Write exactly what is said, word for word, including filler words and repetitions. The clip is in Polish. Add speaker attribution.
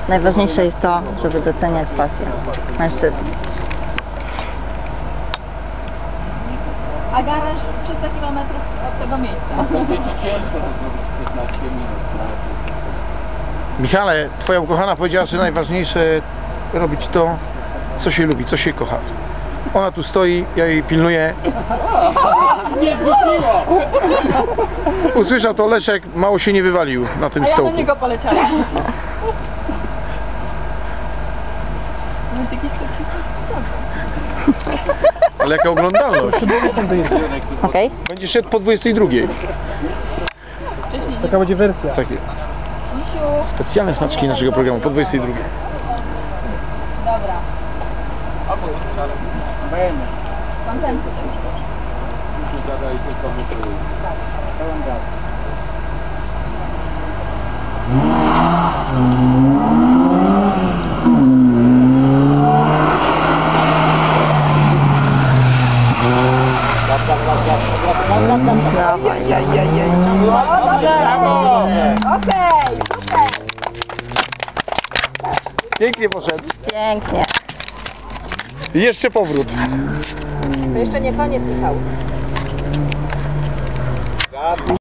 Speaker 1: Najważniejsze jest to, żeby doceniać pasję mężczyzn.
Speaker 2: A garaż trzysta kilometrów od tego miejsca.
Speaker 3: Będzie ci ciężko to zrobić w piętnaście minut.
Speaker 4: Michale, twoja ukochana powiedziała, że najważniejsze robić to, co się lubi, co się kocha. Ona tu stoi, ja jej pilnuję.
Speaker 3: Nie wróciło!
Speaker 4: Usłyszał to Leszek, mało się nie wywalił na tym
Speaker 2: A ja
Speaker 4: stołku.
Speaker 2: do niego poleciałem. Będzie jakiś seksistowski program.
Speaker 4: Ale jaka oglądalność.
Speaker 1: Okej?
Speaker 4: Będzie szedł po dwudziestej drugiej.
Speaker 2: Wcześniej nie.
Speaker 5: Taka będzie wersja.
Speaker 4: Takie
Speaker 2: Misiu,
Speaker 4: specjalne smaczki naszego programu po dwudziestej drugiej.
Speaker 2: dobra.
Speaker 3: Będę.
Speaker 2: Koncentruj się.
Speaker 3: Muszę zadać tylko wypływ.
Speaker 5: Pełen gaz.
Speaker 1: Dawaj.
Speaker 3: Brawo!
Speaker 2: Okej, super.
Speaker 4: Pięknie poszedł.
Speaker 1: Pięknie.
Speaker 4: I jeszcze powrót.
Speaker 2: To jeszcze nie koniec, Michał.